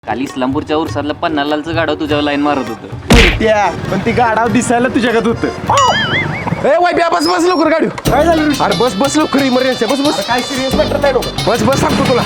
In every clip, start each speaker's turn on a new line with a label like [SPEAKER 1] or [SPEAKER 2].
[SPEAKER 1] काल इस्लामपूरच्या उरसातलं पन्नालालचं गाडव तुझ्यावर लाईन मारत होतं.
[SPEAKER 2] त्या पण ती गाडाव दिसायला तुझ्याकडे होतं.
[SPEAKER 3] ए वाय बस बस लवकर गाडी.
[SPEAKER 2] काय झालं ऋषी?
[SPEAKER 3] अरे बस बस लवकर इमर्जन्सी बस बस.
[SPEAKER 2] काय सिरियस मॅटर नाही डोकं.
[SPEAKER 3] बस बस सांगतो तुला.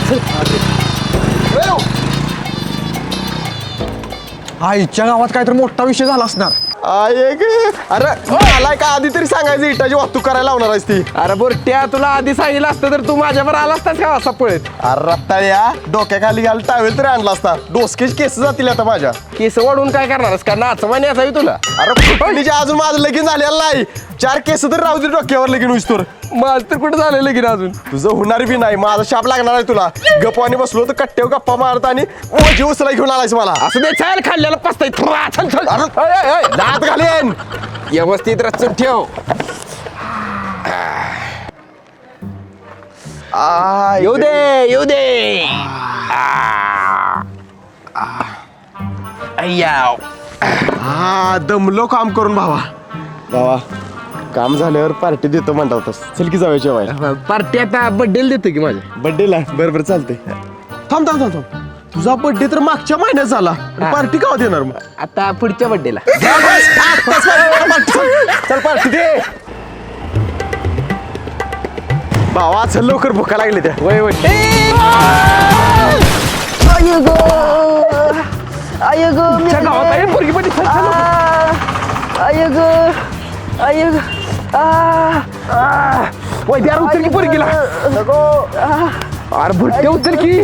[SPEAKER 4] आईच्या गावात काहीतरी मोठा विषय झाला असणार.
[SPEAKER 2] अरे आलाय का आधी तरी सांगायचं इटाची वाहतूक करायला लावणार आहेस ती.
[SPEAKER 3] अरे बोरट्या तुला आधी सांगितलं असतं तर तू माझ्यावर आला असतास का असा पळत.
[SPEAKER 2] अरे रत्ताळ्या डोक्याखाली घाल टावेल तरी आणला असता. डोसकेच केस जातील आता माझ्या.
[SPEAKER 3] केस वाढून काय करणारस का नाचवानी असावी तुला.
[SPEAKER 2] अरे फुटणीच्या अजून माझं लगीन झालेलं नाही. 4 केस तर राहू दे डोक्यावर लगीन होईस्तोर.
[SPEAKER 3] माझ तर कुठं झालं लगीन अजून.
[SPEAKER 2] तुझं होणार बी नाही. माझा शाप लागणार आहे तुला. गप्पाने बसलो तर कट्ट्यावर गप्पा मारत आणि ओझी उचला घेऊन आलायस मला.
[SPEAKER 3] असं दे चाल खाल्ल्याला पसताय. चल चल
[SPEAKER 2] अरे दात घालेन.
[SPEAKER 3] व्यवस्थित रचून ठेव. येऊ दे येऊ दे. अय्याव.
[SPEAKER 2] हा दमलो काम करून भावा. भावा काम झाल्यावर पार्टी देतो म्हणता होतास. चल की जाऊया जेवायला.
[SPEAKER 3] पार्टी आता बड्डेला देतो की माझ्या.
[SPEAKER 2] बर्थडेला बरोबर चालते. थांब थांब थांब थांब. तुझा बर्थडे तर मागच्या महिन्यात झाला. पार्टी का देणार मग?
[SPEAKER 3] आता पुढच्या बड्डेला.
[SPEAKER 2] चल पार्टी दे. भावा चल लवकर भुका लागली त्या.
[SPEAKER 3] वय वय. गावात आहे पोरगी पण. वय द्या उचल की पोरगीला. अरे भुट्टे उचल की.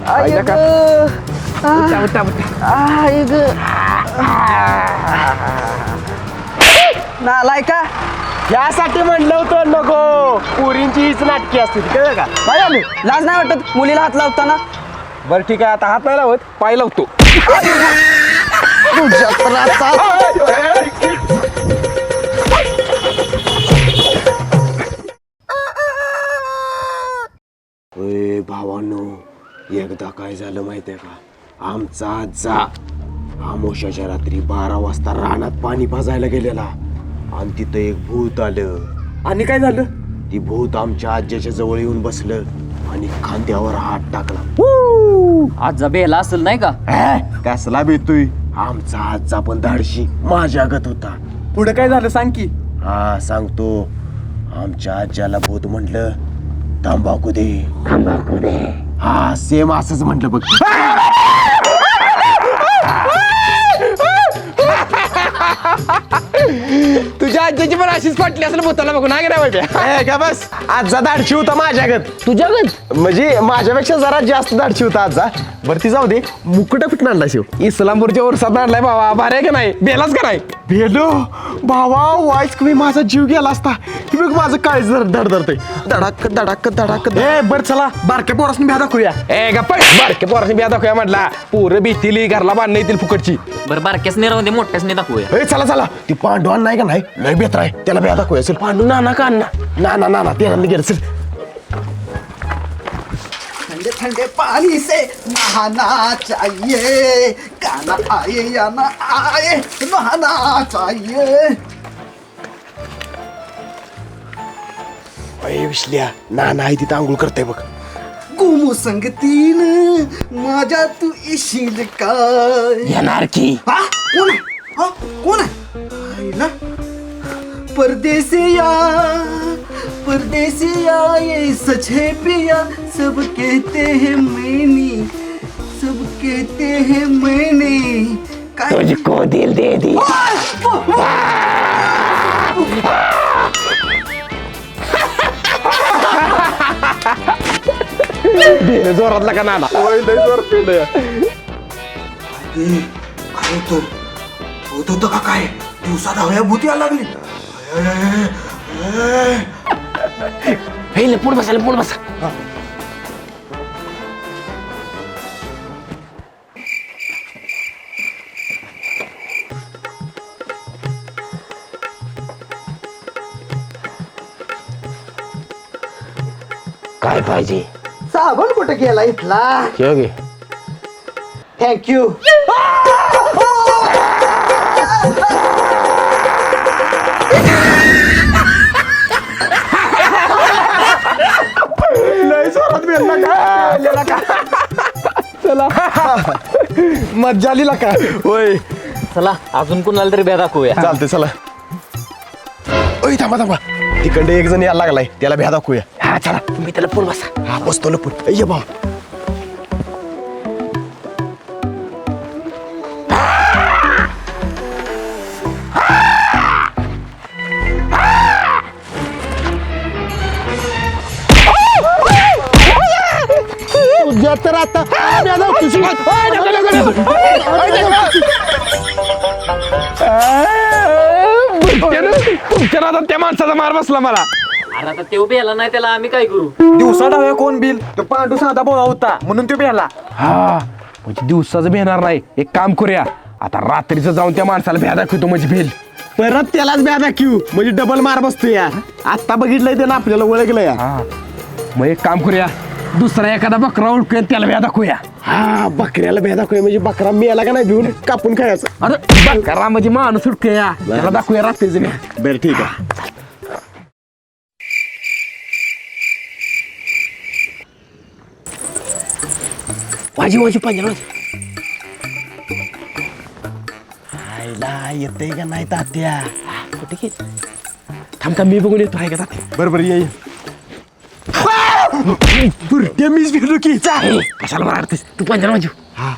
[SPEAKER 4] नालाय का
[SPEAKER 2] यासाठी म्हणलं होतं नको. पुरींची हीच नाटकी असते कळलं का?
[SPEAKER 4] काय झालं? लाज नाही वाटत मुलीला हात लावताना?
[SPEAKER 3] बरं ठीक आहे आता हात नाही लावत पाय लावतो.
[SPEAKER 2] भावानो एकदा काय झालं माहितीये का? आमचा आजा आमोशाच्या रात्री 12 वाजता रानात पाणी पाजायला गेलेला आणि तिथं एक भूत आलं.
[SPEAKER 3] आणि काय झालं?
[SPEAKER 2] ती भूत आमच्या आज्याच्या जवळ येऊन बसलं आणि खांद्यावर हात टाकला.
[SPEAKER 1] आज बेला असेल नाही का?
[SPEAKER 2] कसला भेटतोय? आमचा आजचा पण धाडशी माझ्यागत होता.
[SPEAKER 3] पुढे काय झालं सांग की.
[SPEAKER 2] हा सांगतो. आमच्या आज्याला भूत म्हटलं तंबाखू दे. हा सेम असंच म्हटलं बघ.
[SPEAKER 3] तुझ्या आज्याची पण अशीच फाटली असेल भूताला बघून. हा गेला
[SPEAKER 2] का बस आजचा धाडशी होता माझ्यागत.
[SPEAKER 3] तुझ्यागत
[SPEAKER 2] म्हणजे माझ्यापेक्षा जरा जास्त धाडशी होता आजचा. बरं ती जाऊ दे. मुकुटा कुठं आणला शिव?
[SPEAKER 3] इस्लामपूरच्या उरसात आणलाय बाबा. भारी आहे का नाही? बेलाच का नाही?
[SPEAKER 2] भेलो भावा वाईस कमी माझा जीव गेला असता. की बघ माझं काय धडधडतंय. धडाक धडाक धडाक.
[SPEAKER 4] बर चला बारक्या पोरासनी भ्या दाखवूया.
[SPEAKER 3] ए गप्पा बारके पोराशी बिया दाखवूया म्हटला. पोरं भीतीली घरला बांधणं येतील फुकटची.
[SPEAKER 1] बरं बारक्यासने राहून दे मोठ्यासने दाखवूया.
[SPEAKER 2] ए चला चला. ती पांडवान नाही का नाही लय बेत्र आहे. त्याला भ्या दाखवूया. चल पांडू नाना का अण्णा ना ना ना ते गेलं. चल
[SPEAKER 5] ठंडे ठंडे पानी से नहाना चाहिए. गाना आए या ना आए नहाना चाहिए.
[SPEAKER 2] अय विसल्या नाना आहे तिथं आंघोळ करते बघ.
[SPEAKER 5] घुमू संगतीन माझ्या तू येशील काय?
[SPEAKER 3] येणार की.
[SPEAKER 5] हा कोण आहे? हा कोण आहे? आईला परदेसिया ये सच है पिया. सब कहते हैं मैंने सब कहते हैं मैंने. काय
[SPEAKER 3] तुझको दिल दे दी. जोरातला का नाना.
[SPEAKER 5] काय होतं का काय? दिवसात हव्या भूती यायला लागली.
[SPEAKER 3] हे पुढे बसा पुढे बसा. काय पाहिजे?
[SPEAKER 5] साबण कुठे गेला इथला?
[SPEAKER 3] ठेव घे.
[SPEAKER 5] थँक्यू.
[SPEAKER 2] लय जोरात बेलला का?
[SPEAKER 3] चला मज्जा आली का होय
[SPEAKER 1] चला अजून कुणाला तरी भ्या दाखवूया.
[SPEAKER 3] चालते चला. ओय थांबा थांबा, तिकडे एक जण यायला लागलाय, त्याला भ्या दाखवूया. हा चला, तुम्ही त्याला लपून बसा. हा बसतो लपून. ये बा. तुझ्या तर आता तुमच्या नादात त्या माणसाचा मार बसला मला.
[SPEAKER 1] अरे आता तेव भ्याला नाही त्याला आम्ही काय करू.
[SPEAKER 4] दिवसा डाव्या कोण बिल तो पांडू साधा बोळा होता म्हणून तो भेला.
[SPEAKER 3] हा म्हणजे दिवसाचं भेणार नाही. एक काम करूया, आता रात्रीचं जाऊन त्या माणसाला भ्या दाखवतो म्हणजे भेल.
[SPEAKER 2] परत त्यालाच भ्या दाखवू म्हणजे डबल मार बसतो या. आता बघितलंय त्यानं आपल्याला ओळखलं या.
[SPEAKER 3] हा मग एक काम करूया, दुसरा एखादा बकरा ओळखूया त्याला भ्या दाखवूया.
[SPEAKER 2] हा बकऱ्याला भ्या दाखवूया म्हणजे बकरा मेला का नाही भिवून कापून खायचं.
[SPEAKER 3] अरे बकरा म्हणजे माणूस उडकूया, त्याला दाखवूया रात्रीचं भ्या.
[SPEAKER 2] बरं ठीक आहे.
[SPEAKER 3] वाजी वाजी पाहिजे ना.
[SPEAKER 2] आईला येतंय का नाही तात्या.
[SPEAKER 3] कुठे गेली? थांब थांब, मी बघून येतो. आहे का तात्या?
[SPEAKER 2] बरोबर ये. बुरट्या मीच भिलो की.
[SPEAKER 3] कशाला मारतेस तू? पंजाला वाजू.
[SPEAKER 2] हा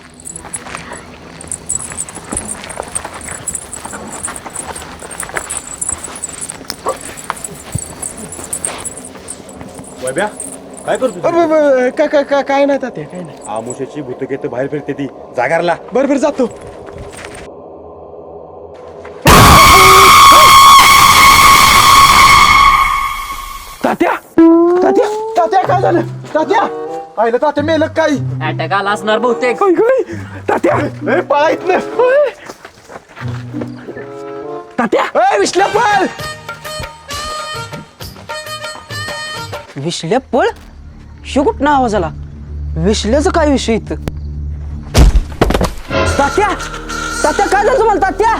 [SPEAKER 6] काय करतो
[SPEAKER 2] काय नाही तात्या, काय नाही.
[SPEAKER 6] आमुष्याची भूतकेत बाहेर फिरते ती जागारला.
[SPEAKER 2] बरोबर जातो.
[SPEAKER 3] तात्या तात्या
[SPEAKER 2] तात्या काय झालं तात्या? आईला तात्या मेलं काय?
[SPEAKER 1] अटॅक आला असणार बहुतेक.
[SPEAKER 3] काय काय तात्या
[SPEAKER 2] पळायत ना.
[SPEAKER 3] तात्या विश्ल्या पळ.
[SPEAKER 4] विश्ल्या पळ शो कुठं आवाज आला? विश्ल्याचं काय विषय इथं? तात्या तात्या काय झालं तुम्हाला तात्या?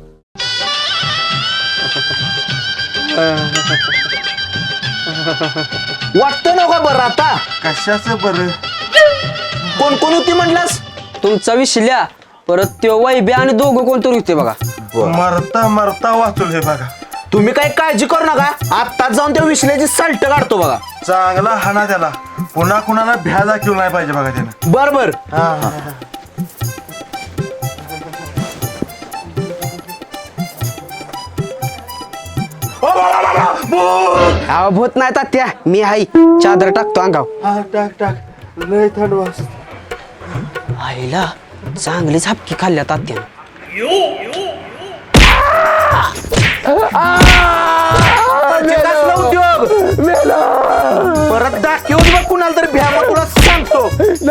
[SPEAKER 4] वाटतं ना का बरं आता?
[SPEAKER 6] कशाचं बरं?
[SPEAKER 4] कोण कोण होती म्हणलास? तुमचा विश्ल्या, परत त्यो वैब्या आणि दोघं कोणतरी होते बघा.
[SPEAKER 6] मरता मरता वाचून हे बघा.
[SPEAKER 4] तुम्ही काही काळजी करू नका, आत्ताच जाऊन त्या विश्ल्याची सल्ट काढतो बघा.
[SPEAKER 6] चांगला हाना त्याला. पुन्हा कुणाला भ्या दाखवू नाही पाहिजे बघा त्यानं.
[SPEAKER 4] बर बर. भूत नाही तात्या, मी हाय. चादर टाकतो अंगाव.
[SPEAKER 6] हा टाक टाक, लय थंड वास.
[SPEAKER 4] आईला चांगलीच हपकी खाल्ल्या तात्यानं. उद्योग परत दाखवून बघ कुणाला तरी भ्या, मग तुला सांगतो.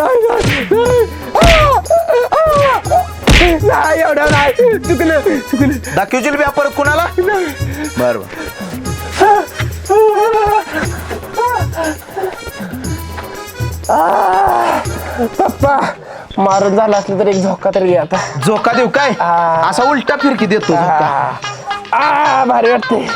[SPEAKER 3] नाही एवढं नाही, चुकलं चुकलं.
[SPEAKER 4] दाखवशील भ्या परत कुणाला? बर
[SPEAKER 3] पप्पा मारून झाला असलं तर एक झोका तरी घे आता.
[SPEAKER 4] झोका देऊ काय? असा उलटा फिरकी देतो झोका.
[SPEAKER 3] भारी वाटते.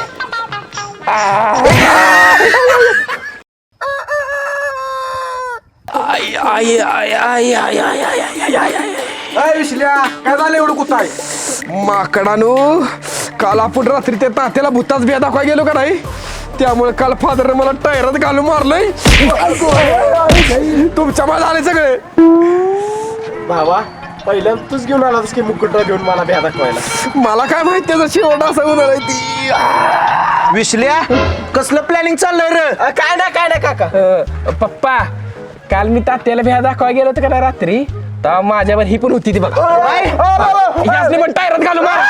[SPEAKER 4] विश्ल्या काय झालं एवढं कुठं आहे?
[SPEAKER 3] माकडानू, काल आपण रात्री त्या तात्याला भूताच बिया दाखवा गेलो का नाही, त्यामुळे काल फादरने मला टायरात घालून मारलंय. तुमच्या मला आले सगळे.
[SPEAKER 2] भावा पहिल्यांदा तूच घेऊन आलास की मुकुटा घेऊन मला भ्या दाखवायला.
[SPEAKER 3] मला काय माहित त्याचा शेवट असा होणार आहे ती.
[SPEAKER 4] विश्ल्या कसलं प्लॅनिंग चाललंय रे?
[SPEAKER 3] काय नाही काका. पप्पा काल मी तात्याला भ्या दाखवा गेलो होतो का नाही रात्री, तर माझ्यावर ही पण होती ती बघा. यासनी पण टायरात घालू मार.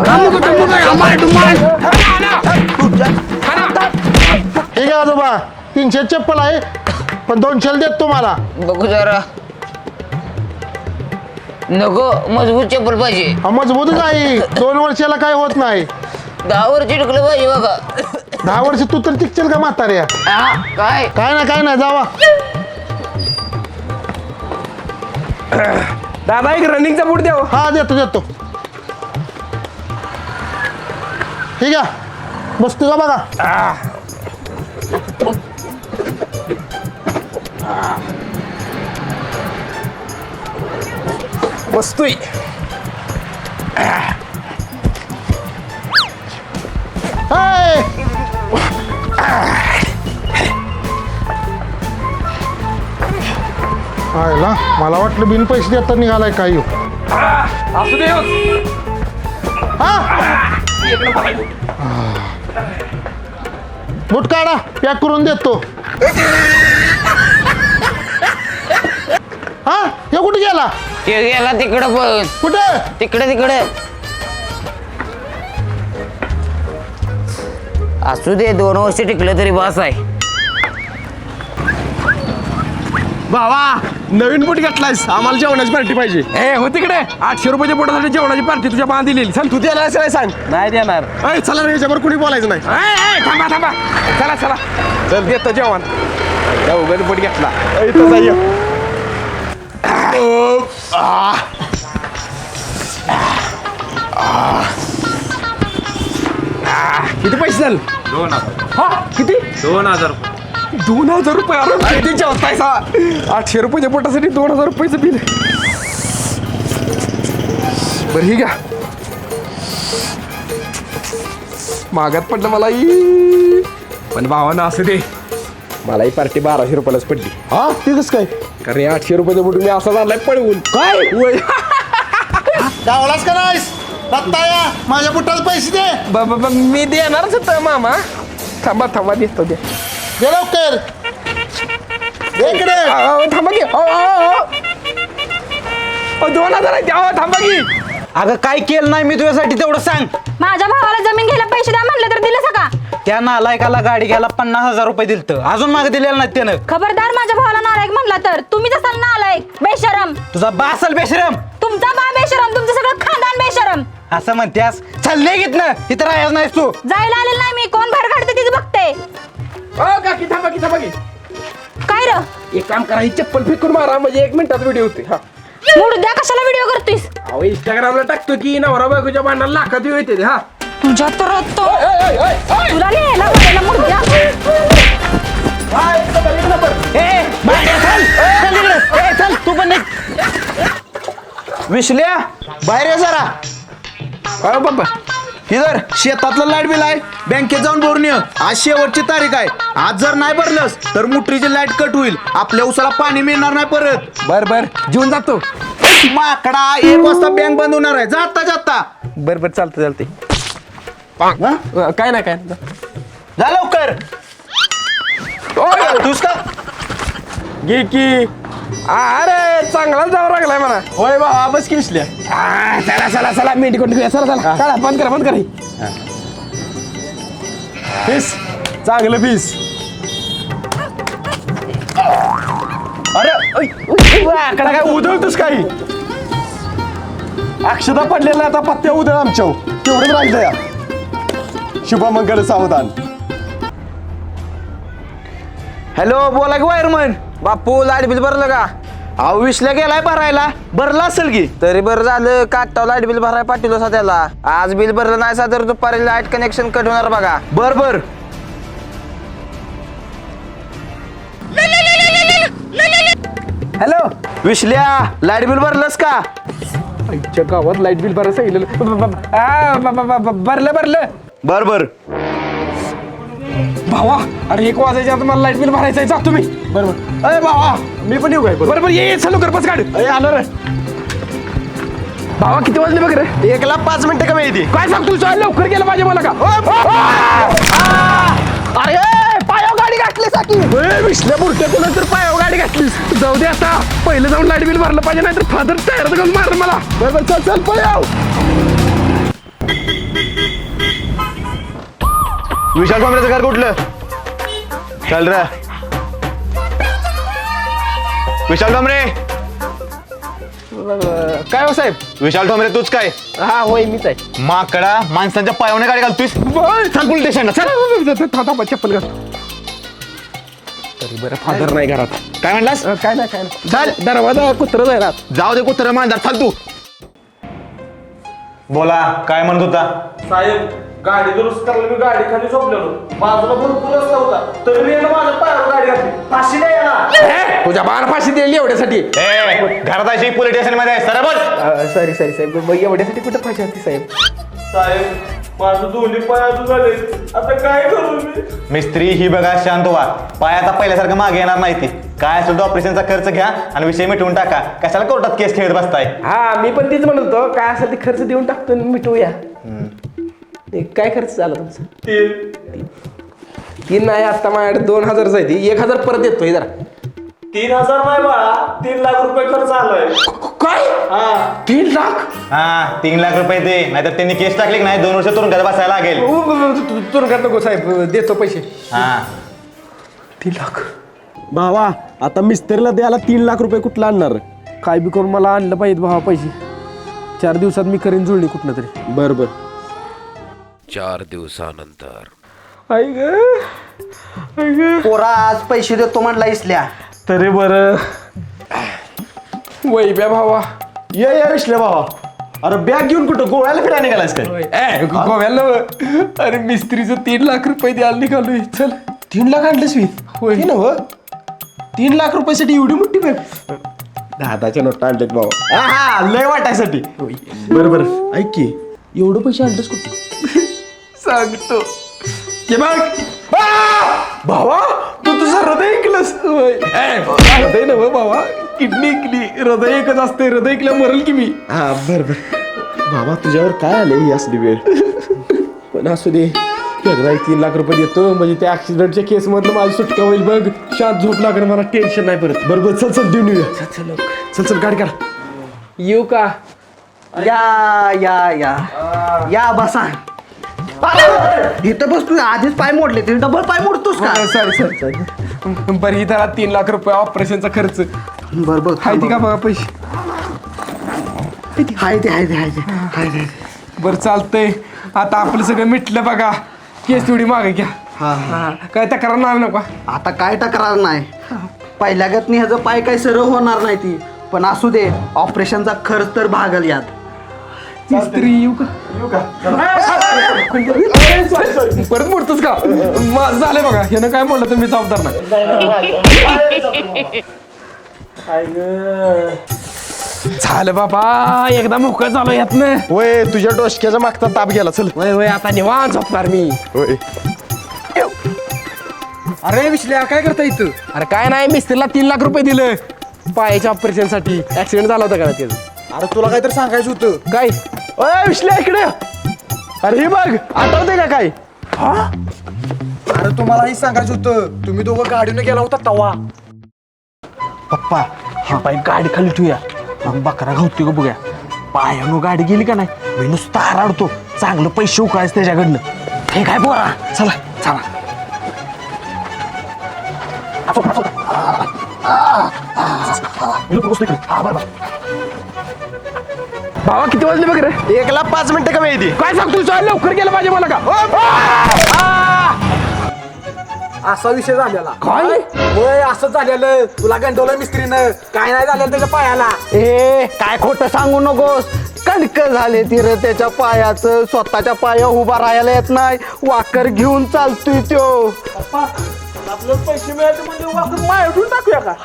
[SPEAKER 6] ठीक आहे आजोबा, 300 चप्पल आहे पण 200 देत तुम्हाला.
[SPEAKER 7] बघू जरा. नको, मजबूत चप्पल पाहिजे.
[SPEAKER 6] मजबूतच आहे, 2 वर्षाला काय होत नाही.
[SPEAKER 7] 10 वर चिटकलं पाहिजे बघा.
[SPEAKER 6] 10 वर्ष तू तर टिकचल का म्हाताऱ्या?
[SPEAKER 7] काय
[SPEAKER 6] काय नाही जावा.
[SPEAKER 3] दादा एक रनिंगचा बूट द्या.
[SPEAKER 6] हा देतो. ठीक आहे, बसतो का बघा.
[SPEAKER 3] बसतोय.
[SPEAKER 6] हाय. आयला मला वाटलं बिन पैसे देता निघालाय काय ह्यो.
[SPEAKER 3] असू दे हो.
[SPEAKER 6] हा बूट काढा पॅक करून देतो. हा हे कुठे गेला
[SPEAKER 7] ते गेला तिकडं पण
[SPEAKER 6] कुठे
[SPEAKER 7] तिकडे असू दे 2 वर्ष टिकलं तरी बस आहे.
[SPEAKER 2] भावा नवीन बूट घेतलायस आम्हाला जेवणाची पार्टी पाहिजे.
[SPEAKER 3] ए हो तिकडे 800 रुपयाच्या पोटासाठी जेवणाची पार्टी तुझ्या बांध दिलेली. चल
[SPEAKER 2] तू द्यायला काय सांग.
[SPEAKER 3] नाही देणार.
[SPEAKER 2] अय चला रे ह्याच्यावर कुणी बोलायचं नाही.
[SPEAKER 3] थांबा थांबा. चला चला चल देतो जेवण.
[SPEAKER 2] उगाच बूट घेतला. इथं जाय.
[SPEAKER 3] किती पैसे झाले?
[SPEAKER 1] 2000.
[SPEAKER 3] हा किती?
[SPEAKER 1] 2000.
[SPEAKER 3] 2000 रुपये. अरे किती जेवतायसा? 800 रुपयाच्या पोटासाठी 2000 रुपयाचं बिल. बरं ही घ्या. मागात पडलं मला पण भावानं असं दे. मला ही पार्टी 1200 रुपयालाच पडली.
[SPEAKER 2] हा ते कसं काय
[SPEAKER 3] कारण 800 रुपयाचं बुट मी असा आणलाय पळवून.
[SPEAKER 2] काय
[SPEAKER 6] गावलाच का नाहीस दत्ताया माझ्या बुटाला पैसे दे.
[SPEAKER 3] मी देणारच होतं मामा. थांबा थांबा देतो दे.
[SPEAKER 6] दे लवकर दे इकडे.
[SPEAKER 3] थांबा की. 2000 आहे द्या. थांबा की.
[SPEAKER 4] अगं काय केलं नाही मी तुझ्यासाठी तेवढं सांग.
[SPEAKER 8] माझ्या भावाला जमीन घ्यायला पैसे द्या म्हणलं तर दिलं का?
[SPEAKER 4] त्या नालायकाला गाडी घ्यायला 50,000 रुपये दिलतं. अजून मागे दिलेलं नाही त्यानं.
[SPEAKER 8] खबरदार माझ्या भावाला नालायक म्हणला तर. तुम्हीच असाल नालायक बेशरम.
[SPEAKER 4] तुझा बासल बेशरम.
[SPEAKER 8] तुमचा बा बेशरम. तुमचं सगळं खानदान बेशरम.
[SPEAKER 4] असं म्हणत्यास चालले घेत ना इथं राहायच नाहीस तू.
[SPEAKER 8] जायला आलेलं नाही मी. कोण बाहेर काढते तिचं बघते.
[SPEAKER 3] काकी थांबा की थांबा की.
[SPEAKER 8] काय र
[SPEAKER 3] एक काम करा ही चप्पल फेकून मारा म्हणजे 1 मिनिटात व्हिडिओ होते. हा
[SPEAKER 8] मुडद्या कशाला व्हिडिओ करतोयस?
[SPEAKER 3] अहो इंस्टाग्रामला टाकतो की नवरा बायकोच्या भांडणाला लाखात व्ह्यू येते. हा
[SPEAKER 8] तुझ्या तर तो तुला लिहायला बोलायला मुडद्या.
[SPEAKER 4] चल तू पण निघ. विसल्या बाहेर ये जरा.
[SPEAKER 3] अरे बाबा
[SPEAKER 2] इधर शेतातलं लाईट बिल आहे बँकेत जाऊन भरून ये. आज शेवटची तारीख आहे. आज जर नाही भरलंस तर मोटरीची लाईट कट होईल. आपल्या उसाला पाणी मिळणार नाही परत.
[SPEAKER 3] बर बर जेवून जातो.
[SPEAKER 2] माकडा 1 वाजता बँक बंद होणार आहे. जाता जाता
[SPEAKER 3] बर बर चालतं चालते. काय नाही काय नाही.
[SPEAKER 2] जा लवकर. तूच का
[SPEAKER 3] घे की. अरे चांगला जावं लागलाय मला.
[SPEAKER 2] होय बाबा बस किसल्या.
[SPEAKER 3] चला चला चला मेंढी कोण चला चला काढा बंद करा बंद करा.
[SPEAKER 2] पीस चांगलं पीस. अरे आकडा काय उधळतोस काही. अक्षता पडलेला आता पत्त्या उधळ आमच्या तेवढंच राहिलं या. शुभमंगल सावधान.
[SPEAKER 4] हॅलो बोला की वायरमन. बापू लाईट बिल भरलं का? अहो विसल्या गेलाय भरायला.
[SPEAKER 2] भरला असेल की.
[SPEAKER 4] तरी बरं झालं काटाव लाईट बिल भरायला पाठवलं सा त्याला. आज बिल भरलं नाही सा तर दुपारी लाईट कनेक्शन कट होणार बघा.
[SPEAKER 2] बर बर.
[SPEAKER 3] हॅलो
[SPEAKER 2] विसल्या लाईट बिल भरलंस का?
[SPEAKER 3] आमच्या गावात लाईट बिल भरायला सांगितलेलं. भरलं भरलं.
[SPEAKER 2] बर बर.
[SPEAKER 3] भावा अरे 1 वाजायच्या आता मला लाईट बिल भरायचं आहे. जा तुम्ही.
[SPEAKER 2] बरोबर. अरे बाबा मी पण येऊ काय
[SPEAKER 3] बरोबर ये चालू कर बस काढ.
[SPEAKER 2] आलो रे.
[SPEAKER 3] भावा किती वाजले बघ रे.
[SPEAKER 2] 1ला 5 मिनिटं कमी येते.
[SPEAKER 3] काय सांगतो तुझ्या लवकर गेलं पाहिजे मला का. अरे पायावर गाडी घातलीस की. विसल्या बुरट्या कोणा तर पायावर गाडी घातलीस. जाऊ दे आता पहिलं जाऊन लाईट बिल भरलं पाहिजे नाही तर फादर टायरात घालून मारलं मला. बरोबर चल चल पळाव.
[SPEAKER 2] विशाल कांबळेचं घर कुठलं? चल रे विशाल ठोंबरे.
[SPEAKER 3] काय हो साहेब.
[SPEAKER 2] विशाल ठोंबरे तूच काय?
[SPEAKER 3] हा होय मीच आहे.
[SPEAKER 2] माकडा माणसांच्या पायावने गाडी घालतोस. चल पोलीस स्टेशनला चल.
[SPEAKER 3] थांबा चप्पल घाल. तरी बरं फादर नाही घरात.
[SPEAKER 2] काय म्हणलास?
[SPEAKER 3] काय नाही काय नाही. चल दरवाजा कुत्र जायला.
[SPEAKER 2] जाऊ दे कुत्र मांजर. चल तू. बोला काय म्हणत होता?
[SPEAKER 9] साहेब
[SPEAKER 3] गाडी दुरुस्त करायला मी गाडी खाली झोपलेलो. बाजूला भरपूर रस्ता होता तरी मी माझ्या पायावर गाडी घातली. फाशी द्या याला. तुझ्या बाण फाशी दिली एवढ्यासाठी.
[SPEAKER 9] घरात अशी पोलीस स्टेशन मध्ये आहे सर बोल.
[SPEAKER 3] सॉरी साहेब एवढ्यासाठी कुठं फाशी होती साहेब?
[SPEAKER 9] साहेब माझं दोन्ही पाय अजून झाले आता काय करू मी. मिस्त्री ही बघा शांत व्हा. पाय आता पहिल्यासारखं मागे येणार नाही ती. काय असेल तो ऑपरेशनचा खर्च घ्या आणि विषय मिटवून टाका. कशाला कोर्टात केस खेळत बसताय.
[SPEAKER 3] हा मी पण तीच म्हणत होतो काय असेल ते खर्च देऊन टाकतो आणि मिटवूया. काय खर्च झाला तुमचा? 3 नाही आता माझ्याकडे 2000 आहे ती 1000 परत येतोय जरा.
[SPEAKER 9] 3000 नाही बाळा 3 लाख रुपये खर्च आलाय.
[SPEAKER 3] काय 3 लाख?
[SPEAKER 9] हा 3 लाख रुपये दे नाहीतर त्यांनी केस टाकली की नाही 2 वर्ष तुरुंगात बसायला लागेल.
[SPEAKER 3] तुरुंगात नको साहेब देतो पैसे.
[SPEAKER 9] हा
[SPEAKER 3] 3 लाख
[SPEAKER 2] भावा आता मिस्त्रीला द्यायला 3 लाख रुपये कुठला आणणार?
[SPEAKER 3] काय बी करून मला आणलं पाहिजे भावा पैसे. 4 दिवसात मी करीन जुळणी कुठनं तरी.
[SPEAKER 2] बर बर.
[SPEAKER 10] 4 दिवसानंतर.
[SPEAKER 3] आई ग
[SPEAKER 5] पोरा आज पैसे देतो म्हणला इसल्या.
[SPEAKER 3] तरी बरं वैब्या भावा
[SPEAKER 2] ये विश्ले भावा. अरे बॅग घेऊन कुठं गोव्याला फिरायला निघालास काय?
[SPEAKER 3] गोव्याला अरे मिस्त्रीचं 3 लाख रुपये द्यायला निघालोय. चल
[SPEAKER 2] 3 लाख आणलेस मी?
[SPEAKER 3] होय
[SPEAKER 2] हे नव्ह 3 लाख रुपयासाठी एवढी मोठी बॅग? 10च्या नोटा आणलेत भावा. हा लय वाटायसाठी. बरोबर ऐक की एवढं पैसे आणलेस कुठे?
[SPEAKER 3] सांगतो ते बघ भावा तू तुझं हृदय ऐकलंस. हृदय नव्ह भावा किडनी ऐकली. हृदय एकच असते. हृदय ऐकल्या मरल की मी.
[SPEAKER 2] हा बर बर. बाबा तुझ्यावर काय आले ही असली वेळ?
[SPEAKER 3] पण असू दे एकदा 3 लाख रुपये देतो म्हणजे त्या ऍक्सिडेंटच्या केस मधलं माझी सुटका होईल बघ. शांत झोप लागणार मला टेन्शन नाही परत.
[SPEAKER 2] बरोबर चल चल देऊन येऊया. चल गाडी काढ.
[SPEAKER 3] येऊ का?
[SPEAKER 5] या या या या बसा. इथं बस तू आधीच पाय मोडले ते डबल पाय मोडतोस का?
[SPEAKER 3] सॉरी बरं ही त्याला 3 लाख रुपये ऑपरेशनचा खर्च
[SPEAKER 5] बरोबर
[SPEAKER 3] हाय ती का बघा पैसे?
[SPEAKER 5] हाय ते
[SPEAKER 3] बरं चालतंय आता आपलं सगळं मिटलं बघा. केस तेवढी मागे घ्या.
[SPEAKER 5] हा
[SPEAKER 3] काय तक्रार नाही नका.
[SPEAKER 5] आता काय तक्रार नाही. पहिल्या गतनी ह्याचं पाय काय सरळ होणार नाही ती. पण असू दे ऑपरेशनचा खर्च तर भागल यात.
[SPEAKER 3] मिस्त्री येऊ का? परत मोडतोस का? माझं झालंय बघा. ह्यानं काय म्हणलं तर मी जबाबदार नाही. झालं बाबा एकदा मोकळं झालो यातनं.
[SPEAKER 2] होय तुझ्या डोसक्याचा मागचा ताप गेला. चल
[SPEAKER 3] वय आता निवांत झोपणार मी.
[SPEAKER 2] होय.
[SPEAKER 3] अरे विश्ल्या काय करता इथं? अरे काय नाही मिस्त्रीला 3 लाख रुपये दिलं पायाच्या ऑपरेशन साठी. ऍक्सिडेंट झाला होता का त्याचं?
[SPEAKER 2] अरे तुला काहीतरी सांगायचं होतं.
[SPEAKER 3] काय?
[SPEAKER 2] ओय विश्ल्या इकडे. अरे हे बघ आठवतंय का काय?
[SPEAKER 6] अरे तुम्हाला हे सांगायचं होतं. तुम्ही दोघं गाडीने गेला होता तवा.
[SPEAKER 2] पप्पा हा पाय गाडी खाली ठेवूया. मग बकरा घावतोय का बघूया. पायानं गाडी गेली का नाही मी नुसता हराडतो. चांगलं पैसे उकळायचं त्याच्याकडनं. हे काय बोरा. चला चला.
[SPEAKER 3] भावा किती वाजले बघ रे?
[SPEAKER 2] 1:05 मिनिटं कमी येते.
[SPEAKER 3] काय सांगतो चल लवकर गेलं पाहिजे मला का?
[SPEAKER 6] असा विषय झालेला.
[SPEAKER 3] काय?
[SPEAKER 6] होय असं झालेलं. तुला गंडवलं मिस्त्रीनं. काय नाही झालेलं त्याच्या पायाला.
[SPEAKER 5] ए काय खोटं सांगू नकोस. कणक झाले ती रे त्याच्या पायाचं. स्वतःच्या पाया उभा राहायला येत नाही. वाकर घेऊन चालतोय त्यो.
[SPEAKER 6] आपलं पैसे मिळाले म्हणजे वापरून मायातून टाकूया का?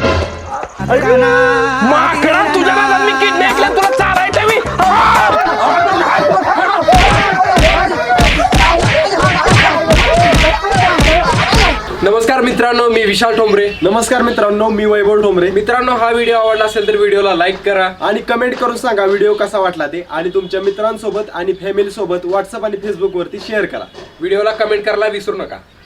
[SPEAKER 3] माकडा तुझ्या नादात मी किडनी ऐकल्या तुला चारायचं मी. नमस्कार मित्रांनो मी विशाल ठोंबरे.
[SPEAKER 2] नमस्कार मित्रांनो मी वैभव ठोंबरे.
[SPEAKER 3] मित्रांनो हा व्हिडिओ आवडला असेल तर व्हिडिओला लाईक करा
[SPEAKER 2] आणि कमेंट करून सांगा व्हिडिओ कसा वाटला ते. आणि तुमच्या मित्रांसोबत आणि फॅमिली सोबत व्हॉट्सअप आणि फेसबुक वरती शेअर करा.
[SPEAKER 3] व्हिडिओला कमेंट करायला विसरू नका.